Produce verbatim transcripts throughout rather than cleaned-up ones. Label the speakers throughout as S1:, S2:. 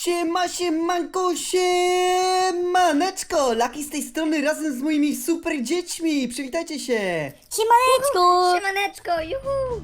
S1: Siema, siemanko, siemaneczko! Laki z tej strony razem z moimi super dziećmi! Przywitajcie się!
S2: Siemaneczko!
S3: Siemaneczko, juhu!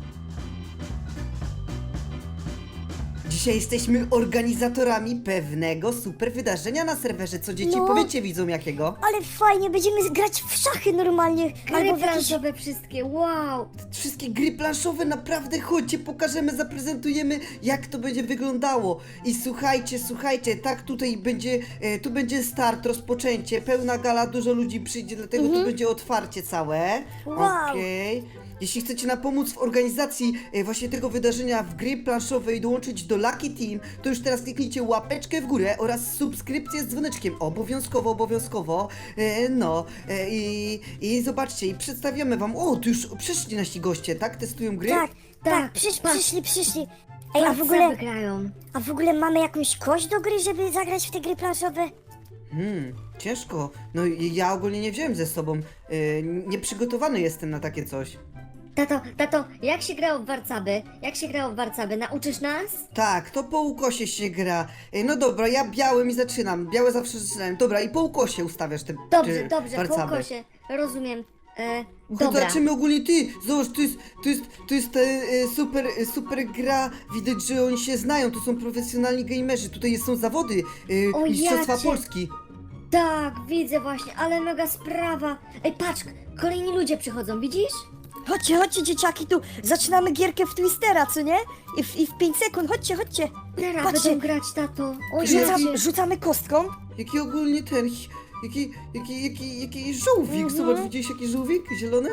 S1: Dzisiaj jesteśmy organizatorami pewnego super wydarzenia na serwerze. Co dzieci?
S2: No.
S1: Powiedzcie widzom jakiego?
S2: Ale fajnie, będziemy grać w szachy normalnie.
S3: Gry
S2: Albo w jakieś...
S3: planszowe wszystkie, wow!
S1: Wszystkie gry planszowe, naprawdę chodźcie, pokażemy, zaprezentujemy, jak to będzie wyglądało. I słuchajcie, słuchajcie, tak tutaj będzie, e, tu będzie start, rozpoczęcie, pełna gala, dużo ludzi przyjdzie, dlatego tu będzie otwarcie całe.
S2: Wow.
S1: Okej. Jeśli chcecie nam pomóc w organizacji e, właśnie tego wydarzenia w gry planszowe i dołączyć do Lucky Team, to już teraz kliknijcie łapeczkę w górę oraz subskrypcję z dzwoneczkiem. Obowiązkowo, obowiązkowo. E, no e, i, i zobaczcie, i przedstawiamy wam. O, tu już przyszli nasi goście, tak? Testują gry?
S2: Tak, tak,
S3: Tak,
S2: przysz,
S3: patrz.
S2: przyszli, przyszli. Ej, a w
S3: Co
S2: ogóle,
S3: wygrają?
S2: a w ogóle mamy jakąś kość do gry, żeby zagrać w te gry planszowe?
S1: Hmm, ciężko. No i ja ogólnie nie wziąłem ze sobą. E, nieprzygotowany jestem na takie coś.
S3: Tato, tato, jak się grało w warcaby? Jak się grało w warcaby? Nauczysz nas?
S1: Tak, to po ukosie się gra. E, no dobra, ja białym i zaczynam. Białe zawsze zaczynałem. Dobra, i po ukosie ustawiasz te
S3: Dobrze,
S1: te
S3: dobrze, po
S1: warcaby.
S3: ukosie. Rozumiem. E,
S1: Dobra.
S3: dobra.
S1: Zobaczymy ogólnie ty, zobacz, to jest, to jest, to jest ta, e, super, e, super gra, widać, że oni się znają, to są profesjonalni gamerzy, tutaj są zawody, e,
S3: O,
S1: Mistrzostwa
S3: jacie.
S1: Polski.
S3: Tak, widzę właśnie, ale mega sprawa. Ej, patrz, kolejni ludzie przychodzą, widzisz?
S2: Chodźcie, chodźcie dzieciaki, tu zaczynamy gierkę w Twistera, co nie? I w, i w pięć sekund, chodźcie, chodźcie.
S3: Teraz
S2: Patrzcie.
S3: będą grać, tato. O,
S1: Rzucam-
S3: jacie.
S2: Rzucam, rzucamy kostką.
S1: Jaki ogólnie ten, jaki, jaki, jaki, jaki żółwik,
S2: Mhm.
S1: zobacz, widziałeś jaki żółwik, zielony?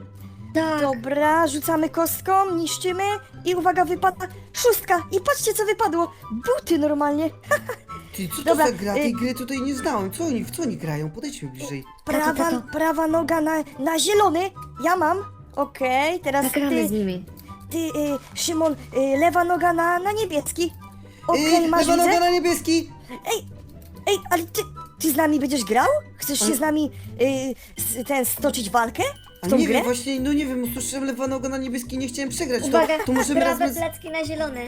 S3: Tak.
S2: Dobra, rzucamy kostką, niszczymy i uwaga, wypada szóstka. I patrzcie, co wypadło. Buty normalnie.
S1: Ty, co to
S2: Dobra,
S1: za gra, tej
S2: y-
S1: gry tutaj nie znałem, co oni, w co oni grają, podejdźmy bliżej.
S2: Prawa,
S3: tato.
S2: prawa noga na, na zielony. Ja mam. Okej, teraz
S3: Zagramy z
S2: ty,
S3: nimi.
S2: ty y, Szymon, y, lewa noga na, na niebieski. Okej,
S1: Yy,
S2: masz
S1: lewa
S2: widzę?
S1: noga na niebieski!
S2: Ej, ej, ale ty, ty z nami będziesz grał? Chcesz się
S1: Ale-
S2: z nami y, s, ten stoczyć walkę?
S1: A
S2: W tą
S1: nie
S2: grę?
S1: wiem, właśnie, no nie wiem, usłyszałem lewa noga na niebieski, nie chciałem przegrać, to,
S3: Uwaga,
S1: to możemy
S3: prawe
S1: razem z...
S3: plecki na zielony.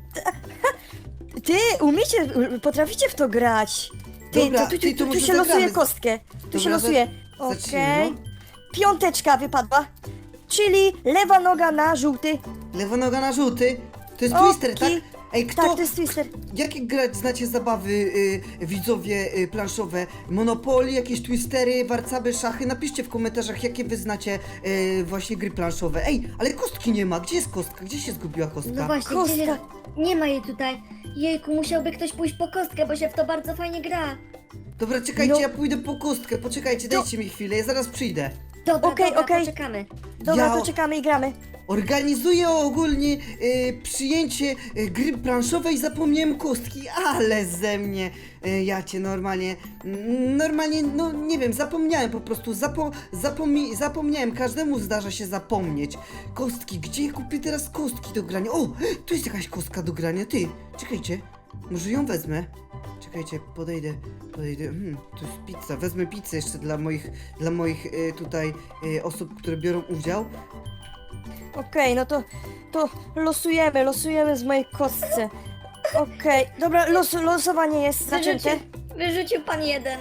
S2: Ty umiecie, y, potraficie w to grać. Ty,
S1: Dobra,
S2: to, tu,
S1: ty,
S2: tu,
S1: to
S2: tu
S1: może
S2: się losuje
S1: zagramy.
S2: kostkę. Tu
S1: Dobra,
S2: się losuje.
S1: za-
S2: Okej.
S1: zacznijmy,
S2: Piąteczka wypadła. Czyli lewa noga na żółty.
S1: Lewa noga na żółty. To jest
S2: Okej.
S1: twister, tak? Ej, kto...
S2: Tak, to jest twister.
S1: Jakie grać znacie zabawy y, widzowie y, planszowe? Monopoly, jakieś twistery, warcaby, szachy? Napiszcie w komentarzach, jakie wy znacie y, właśnie gry planszowe. Ej, ale kostki nie ma. Gdzie jest kostka? Gdzie się zgubiła kostka?
S3: No właśnie,
S2: Kostka.
S3: gdzie jest... Nie ma jej tutaj. Jejku, musiałby ktoś pójść po kostkę, bo się w to bardzo fajnie gra.
S1: Dobra, czekajcie,
S2: No.
S1: ja pójdę po kostkę. Poczekajcie, dajcie mi chwilę, ja zaraz przyjdę.
S3: Dobra,
S2: Okej,
S3: dobra,
S2: okej.
S3: poczekamy.
S2: Dobra,
S1: Ja-
S2: to czekamy i gramy.
S1: Organizuję ogólnie y, przyjęcie y, gry planszowej, zapomniałem kostki, ale ze mnie, y, ja cię normalnie, mm, normalnie, no nie wiem, zapomniałem po prostu, zapo, zapomi, zapomniałem, każdemu zdarza się zapomnieć. Kostki, gdzie ja kupię teraz kostki do grania? O, tu jest jakaś kostka do grania, ty, czekajcie, może ją wezmę. Czekajcie, podejdę, podejdę, hmm, to jest pizza, wezmę pizzę jeszcze dla moich, dla moich y, tutaj y, osób, które biorą udział.
S2: Okej, no to, to losujemy, losujemy z mojej kostce. Okej, dobra, los, losowanie jest zaczęte.
S3: Wyrzucił, wyrzucił pan jeden.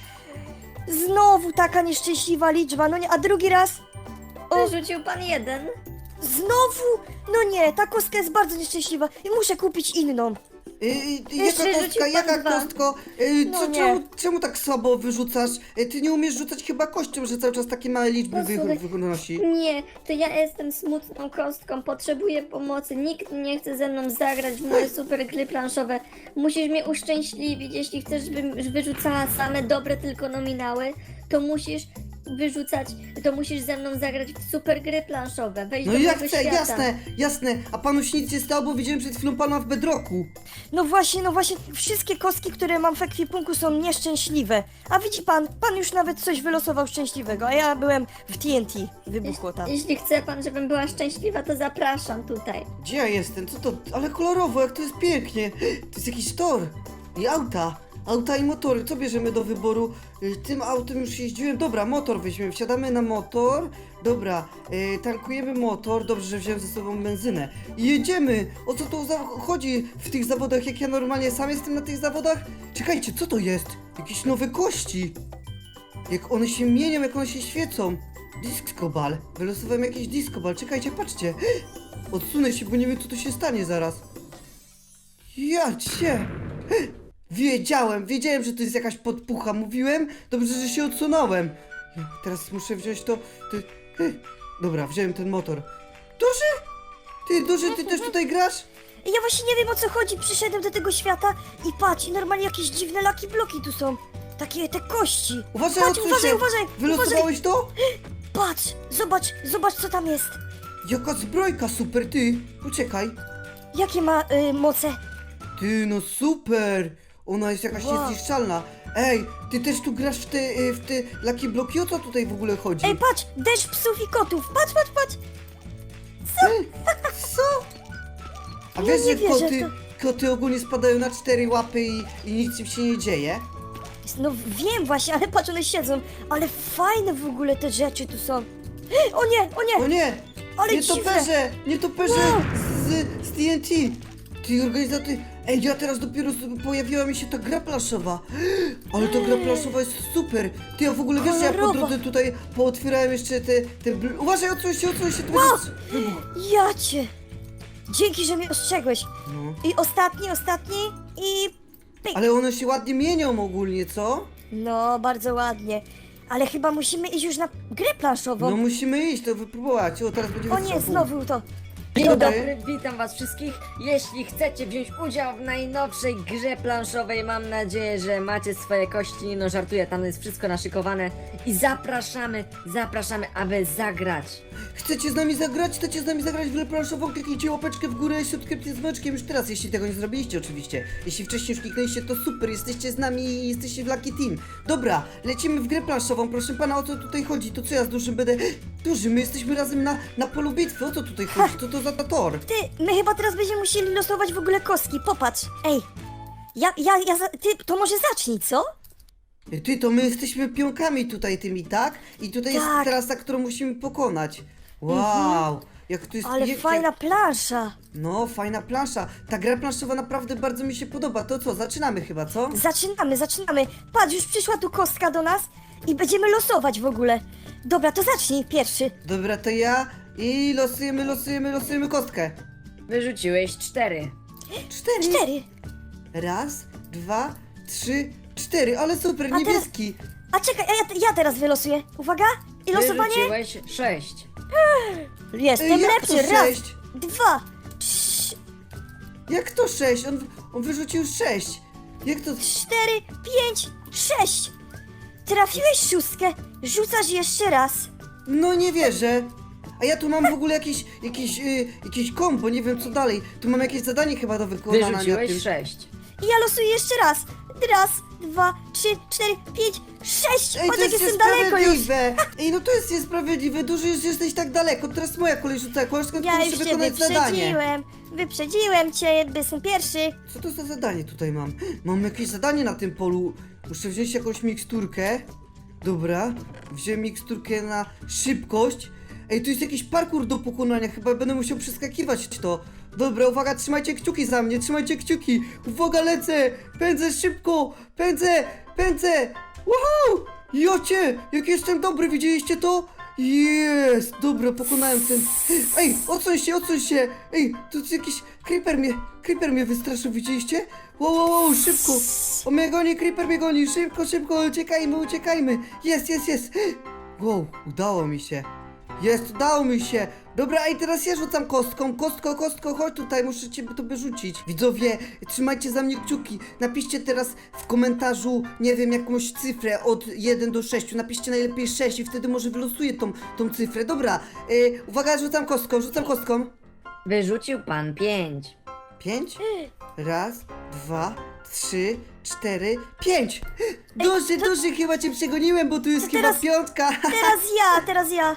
S2: Znowu taka nieszczęśliwa liczba, no nie, a drugi raz? O,
S3: Wyrzucił pan jeden.
S2: znowu? No nie, ta kostka jest bardzo nieszczęśliwa i muszę kupić inną.
S1: Yy,
S3: Jeszcze
S1: jaka
S3: rzucił
S1: kostka,
S3: pan
S1: jaka
S3: dwa.
S1: kostko? Yy,
S2: No
S1: co,
S2: nie.
S1: czemu, czemu tak słabo wyrzucasz? Yy, ty nie umiesz rzucać chyba kością, że cały czas takie małe liczby
S3: No
S1: wy,
S3: słuchaj,
S1: wynosi.
S3: Nie, to ja jestem smutną kostką, potrzebuję pomocy. Nikt nie chce ze mną zagrać w moje super gry planszowe. Musisz mnie uszczęśliwić. Jeśli chcesz, żebym wyrzucała same dobre tylko nominały, to musisz wyrzucać, to musisz ze mną zagrać w super gry planszowe. Wejść
S1: No
S3: do
S1: ja
S3: mojego
S1: chcę,
S3: świata.
S1: jasne, jasne. A panu się nic nie stało, bo widziałem przed chwilą pana w bedroku.
S2: No właśnie, no właśnie, wszystkie kostki, które mam w ekwipunku są nieszczęśliwe. A widzi pan, pan już nawet coś wylosował szczęśliwego, a ja byłem w T N T, wybuchło tam.
S3: Jeśli chce pan, żebym była szczęśliwa, to zapraszam tutaj.
S1: Gdzie ja jestem? Co to? Ale kolorowo, jak to jest pięknie. To jest jakiś tor. I auta. auta i motory, co bierzemy do wyboru? Y, Tym autem już jeździłem, dobra, motor weźmiemy, wsiadamy na motor, dobra, y, tankujemy motor, dobrze, że wziąłem ze sobą benzynę i jedziemy, o co tu za- chodzi w tych zawodach, jak ja normalnie sam jestem na tych zawodach? Czekajcie, co to jest? Jakieś nowe kości, jak one się mienią, jak one się świecą, disco ball, wylosowałem jakieś disco ball, czekajcie, patrzcie, odsunę się, bo nie wiem, co tu się stanie zaraz. Ja cię! Wiedziałem, wiedziałem, że to jest jakaś podpucha. Mówiłem? Dobrze, że się odsunąłem. Ja teraz muszę wziąć to... Ty... Dobra, wziąłem ten motor. Duży? Ty, Duży, ty też tutaj grasz?
S2: Ja właśnie nie wiem o co chodzi, przyszedłem do tego świata i patrz, i normalnie jakieś dziwne laki bloki tu są. Takie te kości.
S1: Uważaj,
S2: Patrz,
S1: odsuń
S2: uważaj,
S1: się.
S2: uważaj,
S1: Wylosowałeś to?
S2: Patrz, zobacz, zobacz co tam jest.
S1: Jaka zbrojka, super, ty. Poczekaj.
S2: Jakie ma y, moce?
S1: Ty, no super. Ona jest jakaś
S2: Wow.
S1: niezniszczalna. Ej, ty też tu grasz w te, y, w te Lucky Bloki? O co tutaj w ogóle chodzi?
S2: Ej, patrz, deszcz psów i kotów, patrz, patrz, patrz.
S1: Ej, co? A
S2: Ja
S1: wiesz,
S2: nie
S1: że
S2: wierzę,
S1: koty,
S2: to-
S1: koty ogólnie spadają na cztery łapy i, i nic im się nie dzieje?
S2: No wiem właśnie, ale patrz, one siedzą. Ale fajne w ogóle te rzeczy tu są. O nie, o nie,
S1: O nie!
S2: ale
S1: Nie
S2: dziwne.
S1: toperze! Nie toperze
S2: Wow.
S1: z, z T N T! Ty organizator... Ej, ja teraz dopiero z- pojawiła mi się ta gra planszowa. Ale ta gra planszowa jest super. Ty, ja w ogóle wiesz, że ja po
S2: Kolorowa.
S1: drodze tutaj pootwierałem jeszcze te... te bl... Uważaj, odsuń się, odsuń się, to
S2: Wow.
S1: będzie wybuch.
S2: Ja cię. Dzięki, że mnie ostrzegłeś.
S1: No.
S2: I ostatni, ostatni i pyk.
S1: Ale one się ładnie mienią ogólnie, co?
S2: No, bardzo ładnie. Ale chyba musimy iść już na grę planszową.
S1: No musimy iść, to wypróbować. O, teraz będzie
S2: O
S1: wystrzał.
S2: nie, znowu to.
S4: Dzień
S1: Dobry.
S4: dobry, witam was wszystkich. Jeśli chcecie wziąć udział w najnowszej grze planszowej, mam nadzieję, że macie swoje kości. No żartuję, tam jest wszystko naszykowane. I zapraszamy, zapraszamy, aby zagrać.
S1: Chcecie z nami zagrać? Chcecie z nami zagrać w grę planszową? Kliknijcie łapeczkę w górę i subskrypcję z dzwoneczkiem już teraz, jeśli tego nie zrobiliście oczywiście. Jeśli wcześniej już kliknęliście, to super, jesteście z nami i jesteście w Lucky Team. Dobra, lecimy w grę planszową, proszę pana, o co tutaj chodzi? To co ja z Dużym będę... Duży, my jesteśmy razem na, na polu bitwy, o co tutaj chodzi? Co to za tor?
S2: Ty, my chyba teraz będziemy musieli losować w ogóle kostki. Popatrz. Ej. Ja, ja, ja, za- ty, to może zacznij, co?
S1: Ty, to my jesteśmy pionkami tutaj tymi, tak? I tutaj jest
S2: Tak.
S1: teraz ta, którą musimy pokonać. Wow, jak to jest
S2: Ale
S1: pięknie.
S2: fajna plansza.
S1: No, fajna plansza. Ta gra planszowa naprawdę bardzo mi się podoba. To co, zaczynamy chyba, co?
S2: Zaczynamy, zaczynamy. Patrz, już przyszła tu kostka do nas i będziemy losować w ogóle. Dobra, to zacznij pierwszy.
S1: Dobra, to ja i losujemy, losujemy, losujemy kostkę.
S4: Wyrzuciłeś cztery.
S1: Cztery.
S2: Cztery.
S1: Raz, dwa, trzy, cztery. Ale super,
S2: A teraz-
S1: niebieski.
S2: A czekaj, a ja, ja teraz wylosuję. Uwaga. I losowanie.
S4: Wyrzuciłeś sześć.
S2: Jestem
S1: Ej, jak
S2: lepszy.
S1: to
S2: Raz,
S1: sześć?
S2: dwa, trzy,
S1: Jak to sześć? On, on wyrzucił sześć. Jak to...
S2: cztery, pięć, sześć. Trafiłeś szóstkę. Rzucasz jeszcze raz.
S1: No nie wierzę. A ja tu mam w ogóle jakieś, jakieś, y, jakieś kombo, nie wiem co dalej. Tu mam jakieś zadanie chyba do wykonania. na
S4: Wyrzuciłeś
S1: tym.
S4: sześć.
S2: I ja losuję jeszcze raz. Raz, dwa, trzy, cztery, pięć, sześć.
S1: Ej,
S2: Patrz,
S1: to
S2: jak
S1: jest
S2: jestem daleko już.
S1: niesprawiedliwe! Ej, no to jest niesprawiedliwe, duży już jesteś tak daleko, teraz moja kolej rzuca kostką,
S2: Ja
S1: muszę
S2: już cię
S1: wykonać zadanie.
S2: wyprzedziłem. Wyprzedziłem cię, bo jestem pierwszy.
S1: Co to za zadanie tutaj mam? Mam jakieś zadanie na tym polu. Muszę wziąć jakąś miksturkę. Dobra, wziąłem miksturkę na szybkość. Ej, tu jest jakiś parkour do pokonania, chyba będę musiał przeskakiwać to. Dobra, uwaga, trzymajcie kciuki za mnie, trzymajcie kciuki. Uwaga, lecę, pędzę szybko, pędzę, pędzę. Woohoo! Jocie, jak jestem dobry, widzieliście to? Jest, dobra, pokonałem ten... Ej, odsuń się, odsuń się! Ej, tu jest jakiś... Creeper mnie, Creeper mnie wystraszył, widzieliście? Wow, wow, wow, szybko! O mnie goni, Creeper mnie goni, szybko, szybko, uciekajmy, uciekajmy! Jest, jest, jest! Wow, udało mi się. Jest, udało mi się! Dobra, i teraz ja rzucam kostką. Kostko, kostko, chodź tutaj, muszę cię tobie rzucić. Widzowie, trzymajcie za mnie kciuki. Napiszcie teraz w komentarzu, nie wiem, jakąś cyfrę od jeden do sześciu. Napiszcie najlepiej sześć i wtedy może wylosuję tą, tą cyfrę. Dobra, yy, uwaga, rzucam kostką, rzucam kostką.
S4: Wyrzucił pan pięć.
S1: Pięć? Raz, dwa, trzy, cztery, pięć! Duży, duży, chyba cię przegoniłem, bo tu jest
S2: To
S1: chyba
S2: teraz-
S1: piątka.
S2: Teraz ja, teraz ja.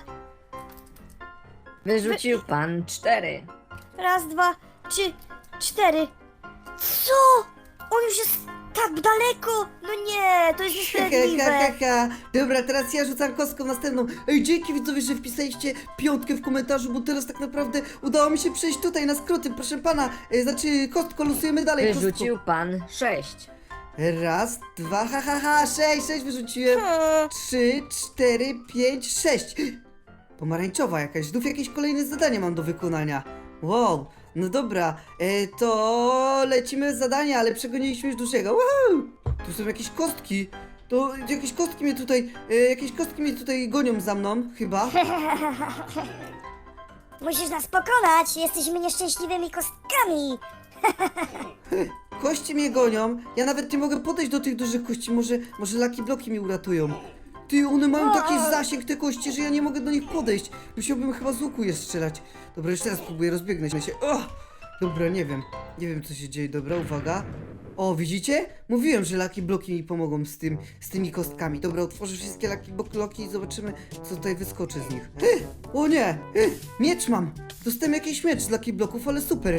S4: Wyrzucił pan cztery.
S2: Raz, dwa, trzy, cztery. Co? On już jest tak daleko! No nie, to jest
S1: Ha, ha,
S2: niesprawiedliwe.
S1: ha, ha. Dobra, teraz ja rzucam kostką następną. Ej, dzięki widzowie, że wpisaliście piątkę w komentarzu, bo teraz tak naprawdę udało mi się przejść tutaj na skróty. Proszę pana, e, znaczy kostko, losujemy dalej.
S4: Wyrzucił pan sześć.
S1: Raz, dwa, ha, ha, ha, sześć, sześć wyrzuciłem.
S2: Hmm.
S1: Trzy, cztery, pięć, sześć. Pomarańczowa jakaś, znów jakieś kolejne zadanie mam do wykonania. Wow, no dobra, e, to lecimy z zadania, ale przegoniliśmy już dużego. Wow! Tu są jakieś kostki. To jakieś kostki mnie tutaj, e, jakieś kostki mnie tutaj gonią za mną, chyba.
S5: Musisz nas pokonać, jesteśmy nieszczęśliwymi kostkami.
S1: Kości mnie gonią, ja nawet nie mogę podejść do tych dużych kości, może, może Lucky Bloki mi uratują. Ty, one mają taki zasięg, te kości, że ja nie mogę do nich podejść. Musiałbym chyba z łuku je strzelać. Dobra, jeszcze raz próbuję, rozbiegnę się. O! Dobra, nie wiem, nie wiem co się dzieje, dobra, uwaga. O, widzicie? Mówiłem, że Lucky Bloki mi pomogą z tym, z tymi kostkami. Dobra, otworzę wszystkie Lucky Bloki i zobaczymy, co tutaj wyskoczy z nich. O nie! Miecz mam! Dostałem jakiś miecz z Lucky Bloków, ale super.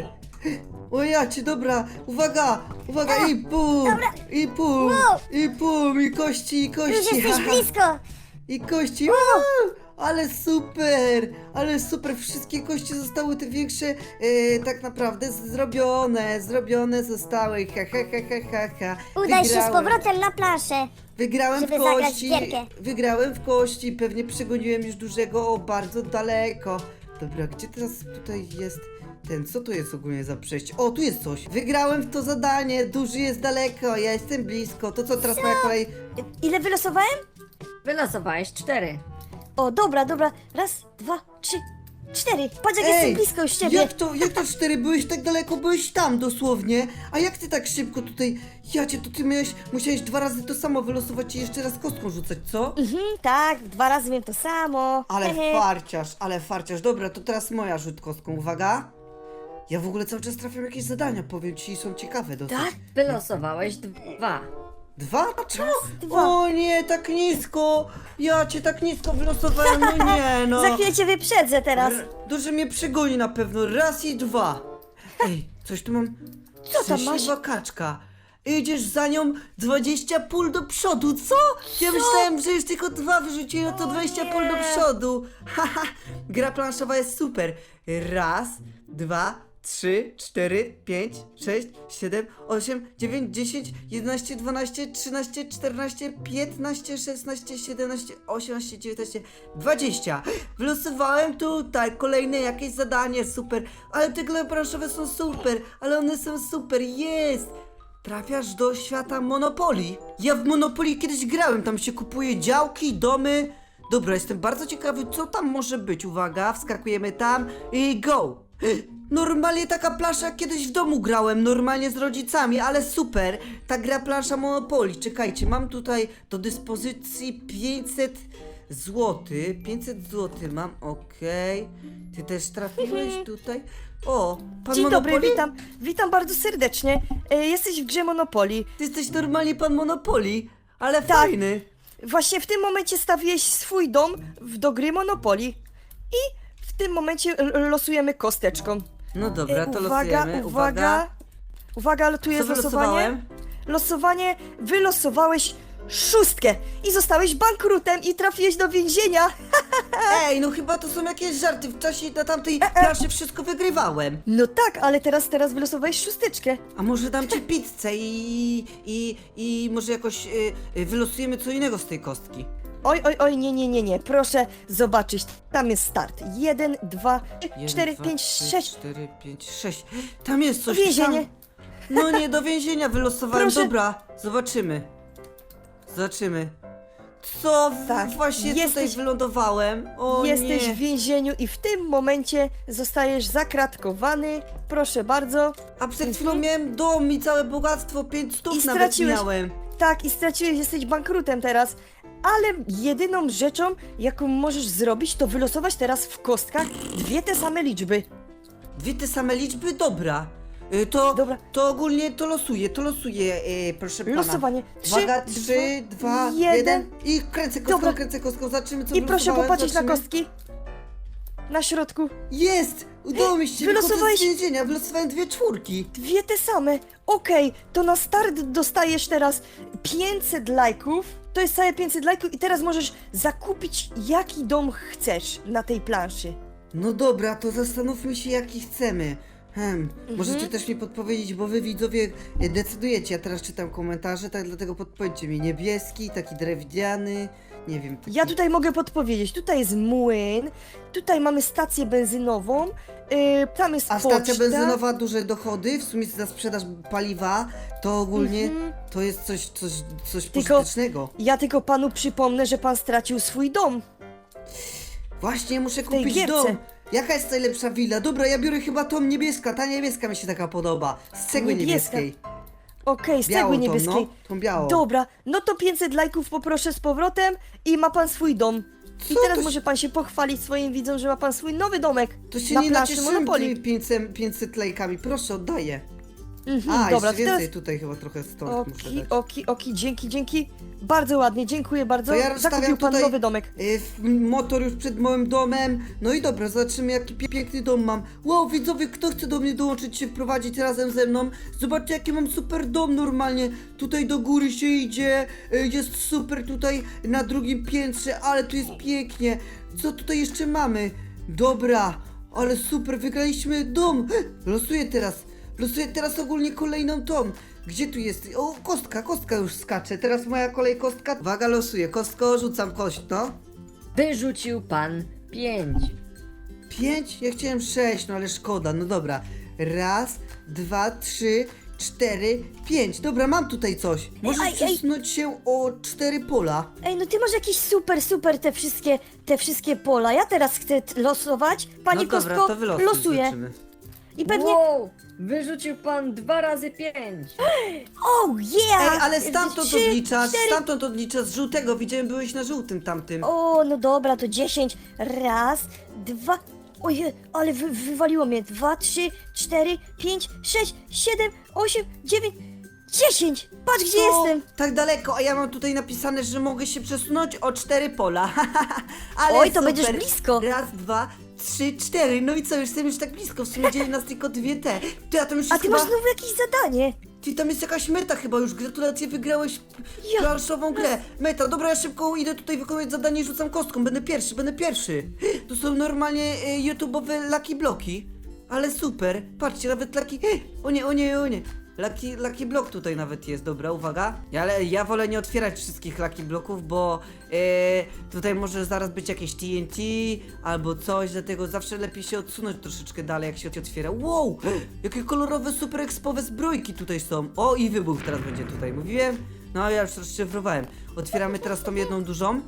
S1: O jacie, dobra, uwaga, uwaga, i pum, i pum, i pum, i kości, i
S5: Już
S1: kości,
S5: jesteś
S1: haha.
S5: blisko.
S1: I kości, wow, ale super, ale super, wszystkie kości zostały te większe, e, tak naprawdę zrobione, zrobione zostały, ha, ha, ha, ha, ha, ha.
S5: Udaj się z
S1: Wygrałem.
S5: powrotem na planszę.
S1: Wygrałem
S5: żeby
S1: w
S5: zagrać w
S1: kości,
S5: gierkę.
S1: wygrałem w kości, pewnie przegoniłem już dużego o bardzo daleko. Dobra, gdzie teraz tutaj jest ten, co to jest ogólnie za przejście? O, tu jest coś. Wygrałem w to zadanie, duży jest daleko, ja jestem blisko. To co, teraz moja kolej?
S2: Ile wylosowałem?
S4: Wylosowałeś cztery.
S2: O, dobra, dobra. Raz, dwa, trzy, cztery. Patrz, jak
S1: Ej,
S2: jestem blisko już ciebie.
S1: Jak to, jak to cztery? Byłeś tak daleko, byłeś tam dosłownie. A jak ty tak szybko tutaj, jacie, to ty miałeś, musiałeś dwa razy to samo wylosować i jeszcze raz kostką rzucać, co?
S2: Mhm, tak, dwa razy wiem to samo.
S1: Ale
S2: Hehe.
S1: farciarz, ale farciarz. Dobra, to teraz moja rzut kostką, uwaga. Ja w ogóle cały czas trafiam jakieś zadania, powiem ci, i są ciekawe dosyć.
S2: Tak?
S4: Wylosowałeś dwa.
S1: Dwa? Czemu?
S2: dwa.
S1: O nie, tak nisko! Ja cię tak nisko wylosowałem, no nie no.
S2: Za chwilę cię wyprzedzę teraz.
S1: R- Duży mnie przegoni na pewno, raz i dwa. Ej, coś tu mam.
S2: Co tam masz?
S1: Szczęśliwa kaczka. Idziesz za nią dwadzieścia pól do przodu, co? Ja myślałem, że już tylko dwa wyrzuciłem, to dwadzieścia pól do przodu. Haha, gra planszowa jest super. Raz, dwa, trzy, cztery, pięć, sześć, siedem, osiem, dziewięć, dziesięć, jedenaście, dwanaście, trzynaście, czternaście, piętnaście, szesnaście, siedemnaście, osiemnaście, dziewiętnaście, dwadzieścia. Wylosowałem tutaj kolejne jakieś zadanie, super. Ale te gry planszowe są super, ale one są super, jest. Trafiasz do świata Monopolii. Ja w Monopolii kiedyś grałem, tam się kupuje działki, domy. Dobra, jestem bardzo ciekawy, co tam może być. Uwaga, wskakujemy tam i go! Normalnie taka plansza jak kiedyś w domu grałem, normalnie z rodzicami, ale super. Ta gra plansza Monopolii. Czekajcie, mam tutaj do dyspozycji pięćset złotych. pięćset złotych mam, okej. Ty też trafiłeś tutaj? O, pan
S2: Dzień
S1: Monopoly?
S2: dobry, witam. Witam bardzo serdecznie. E, jesteś w grze Monopoly.
S1: Ty jesteś normalnie pan Monopoly, ale
S2: Tak.
S1: fajny.
S2: Właśnie w tym momencie stawiłeś swój dom w, do gry Monopoly. I w tym momencie l- losujemy kosteczką.
S1: No dobra, to
S2: E, uwaga,
S1: losujemy.
S2: uwaga. Uwaga, ale tu
S1: Co
S2: jest losowanie.
S1: wylosowałem?
S2: Losowanie, wylosowałeś szóstkę i zostałeś bankrutem i trafiłeś do więzienia.
S1: Ej, no chyba to są jakieś żarty. W czasie na tamtej planszy wszystko wygrywałem.
S2: No tak, ale teraz, teraz wylosowałeś szósteczkę.
S1: A może dam ci pizzę i, i, i może jakoś y, y, wylosujemy co innego z tej kostki.
S2: Oj, oj, oj, nie, nie, nie, nie, proszę zobaczyć. Tam jest start. Jeden, dwa,
S1: Jeden,
S2: cztery,
S1: dwa,
S2: pięć,
S1: trzy,
S2: sześć.
S1: cztery, pięć, sześć. Tam jest coś.
S2: Więzienie.
S1: Tam... No nie, do więzienia wylosowałem.
S2: Proszę.
S1: Dobra, zobaczymy. Zobaczymy. Co
S2: Tak,
S1: właśnie tutaj
S2: jesteś-
S1: wylądowałem? O
S2: Jesteś
S1: nie.
S2: w więzieniu i w tym momencie zostajesz zakratkowany. Proszę bardzo.
S1: A przed chwilą miałem dom i całe bogactwo, pięć
S2: I
S1: stów nawet
S2: straciłeś-
S1: miałem.
S2: Tak, i straciłeś, jesteś bankrutem teraz. Ale jedyną rzeczą, jaką możesz zrobić, to wylosować teraz w kostkach dwie te same liczby.
S1: Dwie te same liczby? Dobra. Y, To,
S2: Dobra.
S1: to ogólnie to losuję, to losuję, y, proszę pana.
S2: Losowanie. Trzy,
S1: Uwaga, trzy, dwa,
S2: jeden.
S1: jeden i kręcę kostką,
S2: Dobra.
S1: kręcę kostką, zobaczymy co
S2: I proszę
S1: wylosowałem,
S2: popatrzeć na
S1: zobaczymy.
S2: kostki. Na środku.
S1: Jest! Udało mi się
S2: Wylosowałeś-
S1: wychodzę z więzienia, wylosowałem dwie czwórki.
S2: Dwie te same. Okej, to na start dostajesz teraz pięćset lajków. To jest całe pięćset lajków i teraz możesz zakupić jaki dom chcesz na tej planszy.
S1: No dobra, to zastanówmy się jaki chcemy. Hmm,
S2: Mhm.
S1: możecie też mi podpowiedzieć, bo wy widzowie e, decydujecie. Ja teraz czytam komentarze, tak dlatego podpowiedzcie mi. Niebieski, taki drewniany, nie wiem. Taki...
S2: Ja tutaj mogę podpowiedzieć. Tutaj jest młyn, tutaj mamy stację benzynową, yy, tam jest
S1: A
S2: poczta.
S1: stacja benzynowa, duże dochody, w sumie za sprzedaż paliwa, to ogólnie
S2: Mhm.
S1: to jest coś, coś, coś
S2: Tylko-
S1: pożytecznego.
S2: Ja tylko panu przypomnę, że pan stracił swój dom.
S1: Właśnie, muszę
S2: tej
S1: kupić
S2: gierce.
S1: dom. Jaka jest najlepsza willa? Dobra, ja biorę chyba tą niebieska, ta niebieska mi się taka podoba. Z cegły
S2: Niebieska.
S1: niebieskiej.
S2: Okej, z
S1: Białą
S2: cegły
S1: tą,
S2: niebieskiej.
S1: no, tą białą.
S2: Dobra, no to pięćset lajków poproszę z powrotem i ma pan swój dom. I
S1: Co
S2: teraz
S1: to
S2: może pan się pochwalić swoim widzom, że ma pan swój nowy domek
S1: To się
S2: na
S1: nie
S2: plaży
S1: nacieszyłem
S2: Monopoly.
S1: tymi pięćset, pięćset lajkami, proszę, oddaję.
S2: Mhm,
S1: A,
S2: dobra,
S1: jeszcze
S2: to
S1: więcej
S2: teraz...
S1: tutaj chyba trochę stąd muszę
S2: Oki,
S1: dać.
S2: oki, oki, dzięki, dzięki. Bardzo ładnie, dziękuję bardzo.
S1: To ja rozstawiam
S2: Zakupił pan
S1: tutaj-
S2: nowy domek.
S1: Y, w- motor już przed moim domem. No i dobra, zobaczymy jaki pie piękny dom mam. Wow, widzowie, kto chce do mnie dołączyć, się wprowadzić razem ze mną? Zobaczcie jaki mam super dom normalnie. Tutaj do góry się idzie, y, jest super tutaj na drugim piętrze, ale tu jest pięknie. Co tutaj jeszcze mamy? Dobra, ale super, wygraliśmy dom. Losuję teraz, losuję teraz ogólnie kolejną tą. Gdzie tu jest? O, kostka, kostka już skacze. Teraz moja kolej kostka. Uwaga, losuję. Kostko, rzucam kość, no.
S4: Wyrzucił pan pięć.
S1: Pięć? Ja chciałem sześć, no ale szkoda. No dobra. Raz, dwa, trzy, cztery, pięć. Dobra, mam tutaj coś. Możesz
S2: ej, ej.
S1: przesunąć się o cztery pola.
S2: Ej, no ty masz jakieś super, super te wszystkie, te wszystkie pola. Ja teraz chcę t- losować. Pani
S1: no dobra,
S2: Kostko
S1: to wylosuj,
S2: losuje.
S1: zobaczymy.
S2: I pewnie...
S4: Wow! Wyrzucił pan dwa razy pięć.
S2: Oh yeah!
S1: Ej, ale stamtąd
S2: Trzy,
S1: odliczasz,
S2: cztery.
S1: stamtąd odliczasz z żółtego. Widziałem, byłeś na żółtym tamtym.
S2: O, no dobra, to dziesięć. Raz, dwa... Ojej, ale wy, wywaliło mnie. Dwa, trzy, cztery, pięć, sześć, siedem, osiem, dziewięć, dziesięć! Patrz, gdzie
S1: Co?
S2: jestem!
S1: Tak daleko, a ja mam tutaj napisane, że mogę się przesunąć o cztery pola. Ale
S2: Oj, to
S1: super.
S2: będziesz blisko.
S1: Raz, dwa, trzy, cztery. No i co, już jestem już tak blisko. W sumie dzieli nas tylko dwie te. Ty, a tam już
S2: A
S1: jest
S2: ty
S1: chyba...
S2: masz znowu jakieś zadanie.
S1: Ty, tam jest jakaś meta chyba już. Gratulacje, wygrałeś
S2: Ja-
S1: planszową grę. Meta, dobra, ja szybko idę tutaj wykonać zadanie i rzucam kostką. Będę pierwszy, będę pierwszy. To są normalnie y, YouTube'owe Lucky Bloki. Ale super. Patrzcie, nawet Lucky... O nie, o nie, o nie. Lucky, Lucky Block tutaj nawet jest, dobra, uwaga. Ja, ale ja wolę nie otwierać wszystkich Lucky Bloków, bo e, tutaj może zaraz być jakieś T N T albo coś, dlatego zawsze lepiej się odsunąć troszeczkę dalej, jak się otwiera. Wow! Jakie kolorowe, super ekspowe zbrojki tutaj są. O, i wybuch teraz będzie tutaj, mówiłem? No, ja już rozszyfrowałem. Otwieramy teraz tą jedną dużą.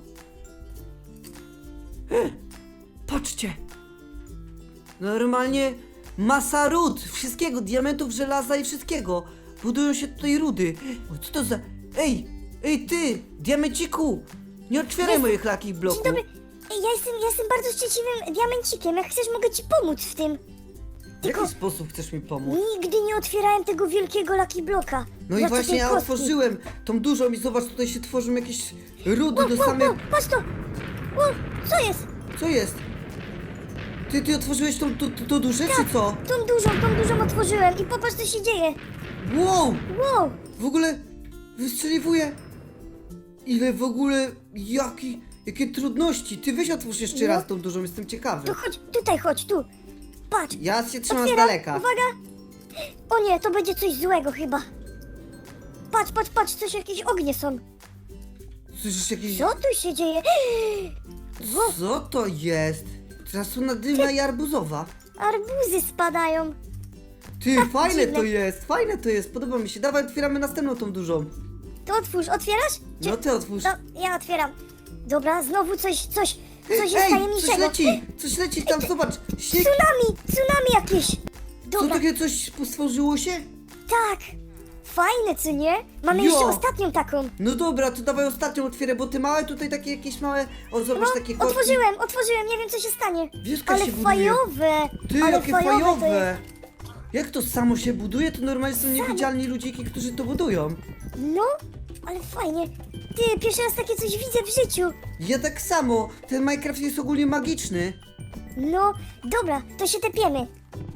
S1: Patrzcie! Normalnie masa ród, wszystkiego, diamentów, żelaza i wszystkiego. Budują się tutaj rudy. O, co to za... Ej, ej ty, diamenciku! Nie otwieraj
S5: Jest-
S1: moich lakich
S5: Dzień
S1: bloków.
S5: dobry. Ej, ja jestem, ja jestem bardzo szczęśliwym diamencikiem. Jak chcesz, mogę ci pomóc w tym.
S1: W jaki sposób chcesz mi pomóc?
S5: Nigdy nie otwierałem tego wielkiego Lucky Bloka.
S1: No i
S5: Zwłaszcza
S1: właśnie
S5: tej
S1: ja
S5: kostki.
S1: otworzyłem tą dużą i zobacz, tutaj się tworzą jakieś rudy do
S5: Wow,
S1: samej...
S5: wow, patrz to! Wow, co jest?
S1: Co jest? Ty, ty otworzyłeś tą, tą, tą, tą duszę, czy co?
S5: Tą dużą, tą dużą otworzyłem i popatrz, co się dzieje.
S1: Wow!
S5: Wow,
S1: W ogóle wystrzeliwuje. Ile w ogóle, jaki, jakie trudności. Ty weź otwórz jeszcze
S5: No.
S1: raz tą dużą, jestem ciekawy.
S5: to chodź, tutaj chodź, tu. Patrz,
S1: Ja się trzymam z
S5: otwieram,
S1: daleka.
S5: uwaga. O nie, to będzie coś złego chyba. Patrz, patrz, patrz, coś, jakieś ognie są.
S1: Słyszysz jakieś...
S5: Co tu się dzieje? Wow,
S1: Co to jest? Trasuna dymna i arbuzowa.
S5: arbuzy spadają.
S1: Ty, fajne
S5: dziwne.
S1: to jest, fajne to jest, podoba mi się. Dawaj, otwieramy następną tą dużą.
S5: To otwórz, otwierasz? Czy...
S1: No ty otwórz.
S5: No, ja otwieram. Dobra, znowu coś, coś, coś jest
S1: Ej, coś
S5: tajemniczego.
S1: leci, coś leci tam, zobacz. Śnieg,
S5: Tsunami, tsunami jakieś.
S1: co
S5: Dobra,
S1: takie coś stworzyło się?
S5: tak. Fajne, co nie? Mamy
S1: Jo.
S5: jeszcze ostatnią taką.
S1: No dobra, to dawaj ostatnią otwierę, bo ty małe tutaj takie jakieś małe... O, zobacz,
S5: No,
S1: takie kostki.
S5: otworzyłem, otworzyłem, nie wiem co się stanie.
S1: Wieska
S5: Ale
S1: się buduje.
S5: fajowe.
S1: Ty,
S5: ale
S1: jakie
S5: fajowe. To jest...
S1: fajowe! Jak to samo się buduje? To normalnie są niewidzialni ludziki, którzy to budują.
S5: No, ale fajnie. Ty, pierwszy raz takie coś widzę w życiu.
S1: Ja tak samo. Ten Minecraft jest ogólnie magiczny.
S5: No, dobra, to się tepiemy.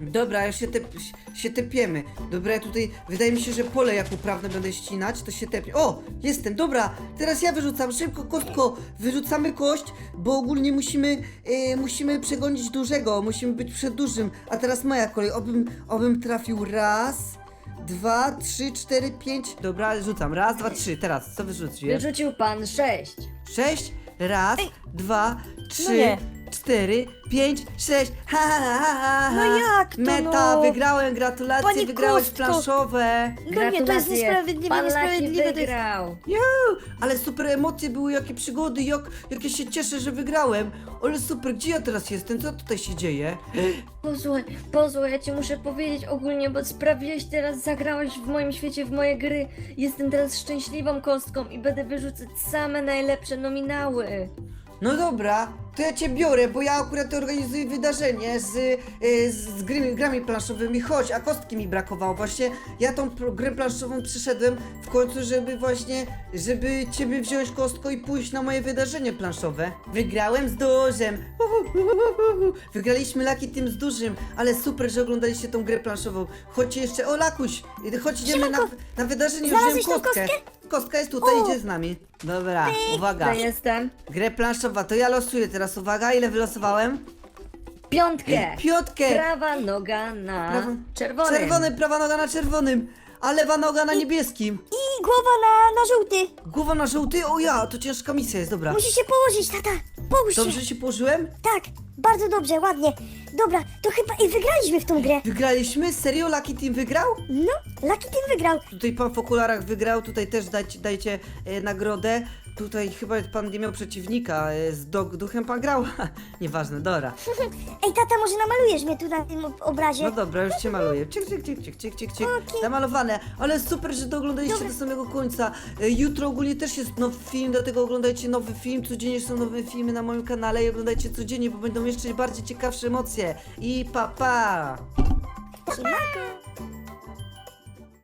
S1: Dobra, już się, tep, się tepiemy. Dobra, ja tutaj, wydaje mi się, że pole jak uprawne będę ścinać, to się tepie. O, jestem, dobra, teraz ja wyrzucam, szybko, kostko, wyrzucamy kość, bo ogólnie musimy, e, musimy przegonić dużego, musimy być przed dużym. A teraz moja kolej, obym, obym trafił raz, dwa, trzy, cztery, pięć. Dobra, rzucam, raz, dwa, trzy, teraz, co wyrzuciłem?
S4: Wyrzucił pan sześć.
S1: Sześć, raz, dwa, trzy,
S2: nie.
S1: cztery, pięć, sześć. Ha, ha, ha, ha.
S2: No jak to,
S1: Meta,
S2: no?
S1: wygrałem, gratulacje,
S2: Pani
S1: wygrałeś
S2: Kostko.
S1: planszowe.
S2: No nie, to jest
S4: Gratulacje.
S2: niesprawiedliwe,
S4: Pan Laki
S2: niesprawiedliwe. To jest...
S4: wygrał.
S1: Juuu, ale super emocje były, jakie przygody, jak, jak ja się cieszę, że wygrałem. Ale super, gdzie ja teraz jestem? Co tutaj się dzieje?
S3: Posłuchaj, posłuchaj, ja ci muszę powiedzieć ogólnie, bo sprawiłeś teraz, zagrałeś w moim świecie w moje gry. Jestem teraz szczęśliwą kostką i będę wyrzucać same najlepsze nominały.
S1: No dobra, to ja cię biorę, bo ja akurat organizuję wydarzenie z, y, z gry, grami planszowymi. Chodź, a kostki mi brakowało. Właśnie ja tą pro- grę planszową przyszedłem w końcu, żeby właśnie, żeby ciebie wziąć, kostko, i pójść na moje wydarzenie planszowe. Wygrałem z dużym. Wygraliśmy Lucky Team z dużym, ale super, że oglądaliście tą grę planszową. Chodźcie jeszcze, o Lakuś, chodź, idziemy na, na wydarzenie, wziąłem
S5: Znalazłeś tą
S1: kostkę. Kostka jest tutaj, idzie z nami. Dobra, uwaga.
S3: Ja jestem.
S1: Grę planszowa, to ja losuję teraz, uwaga, ile wylosowałem?
S3: Piątkę.
S1: Piątkę!
S3: Prawa noga na
S1: Prawa-
S3: czerwonym.
S1: Czerwony, prawa noga na czerwonym, a lewa noga na niebieskim.
S5: I głowa na, na żółty.
S1: Głowa na żółty, o ja, to ciężka misja jest, dobra.
S5: Musisz się położyć, tata. Połóż się.
S1: Dobrze się położyłem?
S5: Tak, bardzo dobrze, ładnie. Dobra, to chyba i wygraliśmy w tą grę.
S1: Wygraliśmy? Serio? Lucky Team wygrał?
S5: No, Lucky Team wygrał.
S1: Tutaj pan w okularach wygrał, tutaj też dajcie, dajcie e, nagrodę. Tutaj chyba pan nie miał przeciwnika, e, z dog duchem pan grał. Nieważne, dobra.
S5: Ej, tata, może namalujesz mnie tu na tym ob- obrazie?
S1: No dobra, już cię maluję. Cik, cik, cik, cik, cik, cik, cik. Namalowane. Ale super, że to oglądaliście do samego końca. E, Jutro ogólnie też jest nowy film, dlatego oglądajcie nowy film. Codziennie są nowe filmy na moim kanale i oglądajcie codziennie, bo będą jeszcze bardziej ciekawsze emocje. I pa pa!
S5: Siemanko.